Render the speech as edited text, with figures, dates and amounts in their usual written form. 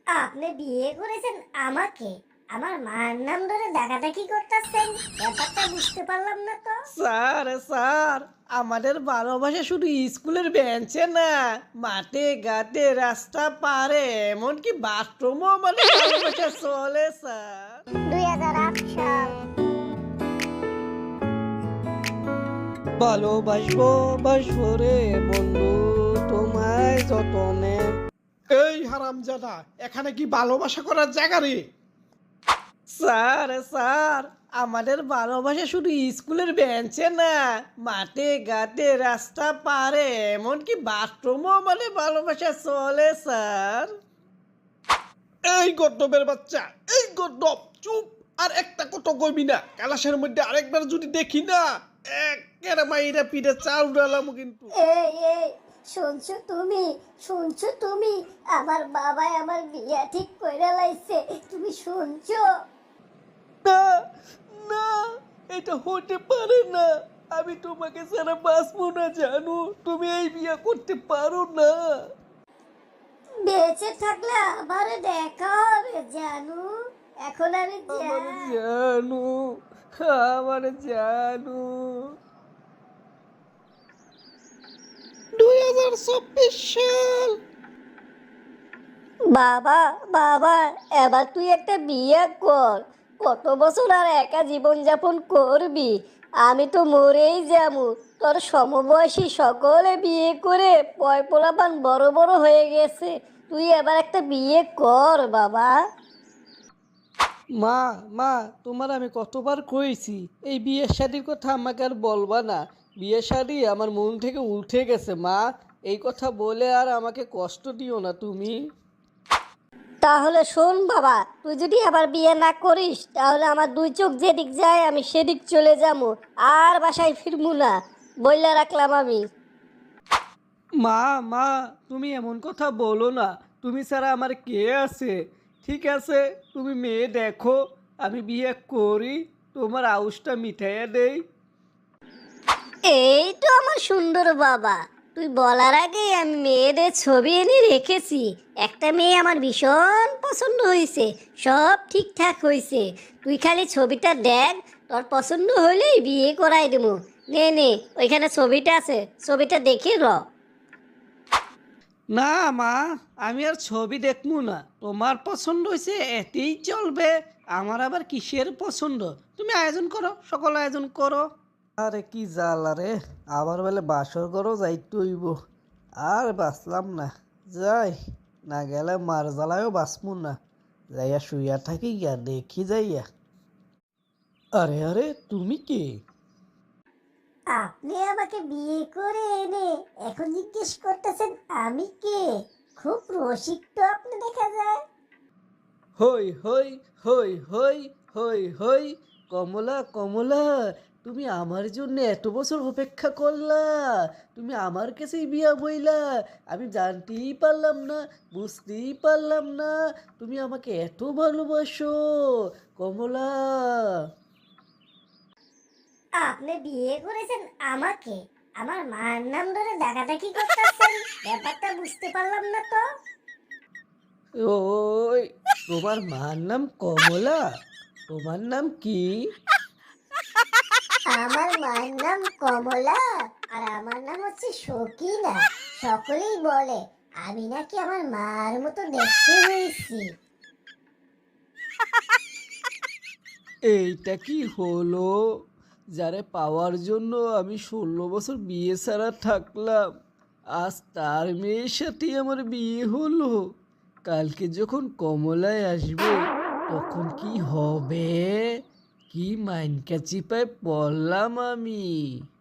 আপনি বিয়ে করেছেন আমাকে, আমার মার নাম ধরে ডাকাডাকি করতেছেন, ব্যাপারটা বুঝতে পারলাম না তো। স্যার, আমাদের ভালোবাসা শুধু স্কুলের বেঞ্চে না, মাঠে ঘাটে রাস্তা পারে এমনকি বাথরুমও আমাদের ভালোবাসা চলে স্যার। 2008 সাল। ভালোবাসবো বাসবো রে বন্ধু, তোমায় যতনে। এই হারামজাদা, এখানে কি ভালোবাসা করার জায়গা রে? স্যার, আমাদের ভালোবাসা শুধু স্কুলের বেঞ্চে না, মাঠে ঘাটে রাস্তা পারে এমনকি বাথরুমও আমাদের ভালোবাসা চলে স্যার। এই গদ্দপের বাচ্চা, এই গদ্দপ চুপ। আর একটা কত কইবি না, কালাসের মধ্যে আরেকবার যদি দেখি না, একের মাইরা পিঠে চাল উড়ালাম কিন্তু। এই এই শুনছো তুমি আমার বাবাই আমার বিয়া ঠিক কইরা লাইছে, তুমি শুনছো? না না, এটা হতে পারে না। আমি তোমাকে ছাড়া বাঁচবো না জানো, তুমি এই বিয়ে করতে পারো না। বেঁচে থাকলে আবার দেখা হবে জানু, এখন আমি আমার যাই। জানু, আমার জানু। 2024 সাল। বাবা বাবা, এবার তুই একটা বিয়ে কর, কত বছর আর একা জীবন যাপন করবি? আমি তো মরেই যাবো, তোর সমবয়সী সকলে বিয়ে করে পয় পোলাপান বড় বড় হয়ে গেছে, তুই এবার একটা বিয়ে কর বাবা। মা মা, তোমার আমি কতবার কইছি এই বিয়ের শাদির কথা আমাকে আর বলবা না। বিয়ের শাদি আমার মন থেকে উঠে গেছে মা, এই কথা বলে আর আমাকে কষ্ট দিও না তুমি। তাহলে শোন বাবা, তুই যদি আবার বিয়ে না করিস তাহলে আমার দুই চোখ যেদিক যায় আমি সেদিক চলে যাবো, আর বাসায় ফিরবো না, বইলা রাখলাম আমি। মা মা, তুমি এমন কথা বলো না, তুমি ছাড়া আমার কে আছে? ঠিক আছে, তুমি মেয়ে দেখো, আমি বিয়ে করি, তোমার আউসটা মিঠাইয়া দেই। এই তো আমার সুন্দর বাবা, তুই বলার আগেই আমি মেয়েদের ছবি এনে রেখেছি, একটা মেয়ে আমার ভীষণ পছন্দ হয়েছে, সব ঠিকঠাক হয়েছে, তুই খালি ছবিটা দেখ, তোর পছন্দ হলেই বিয়ে করাই দেবো। নে নে, ওইখানে ছবিটা আছে, ছবিটা দেখে র। না মা, আমি আর ছবি দেখবো না, তোমার পছন্দ হয়েছে এতেই চলবে। আমার আবার কিসের পছন্দ? তুমি আয়োজন করো, সকল আয়োজন করো। আরে কি জ্বালা রে, আবার বলে বাসর করো যাইতে হইব। আর বাঁচলাম না, যাই, না গেলে মার জ্বালায়ও বাঁচবো না। যাইয়া শুইয়া থাকি গিয়া দেখি যাইয়া। আরে আরে, তুমি কি? আপনি আমাকে বিয়ে করে এনে এখন জিজ্ঞেস করতেছেন আমি কে? খুব রসিক তো আপনি দেখা যায়। হই হই হই হই হই হই, কমলা কমলা, তুমি আমার জন্য এত বছর অপেক্ষা করলা, তুমি আমার কাছেই বিয়া বইলা, আমি জানতেই পারলাম না, বুঝতেই পারলাম না তুমি আমাকে এত ভালোবাসো কমলা। আপনি বিয়ে করেছেন আমাকে, আমার মার নাম ধরে ডাকাডাকি করতেছেন, ব্যাপারটা বুঝতে পারলাম না তো। ওই, তোমার মার নাম কমলা? তোমার নাম কি? আমার মার নাম কমলা, আর আমার নাম হচ্ছে সকিনা। সকলেই বলে আমি নাকি আমার মার মতো দেখতে হয়েছি। এইটা কি হলো? যারে পাওয়ার জন্য আমি 16 বছর বিয়ে ছাড়া থাকলাম, আজ তার মেয়ের সাথেই আমার বিয়ে হলো। কালকে যখন কমলায় আসবে তখন কি হবে? কি মাইনকা চিপায় পড়লাম আমি।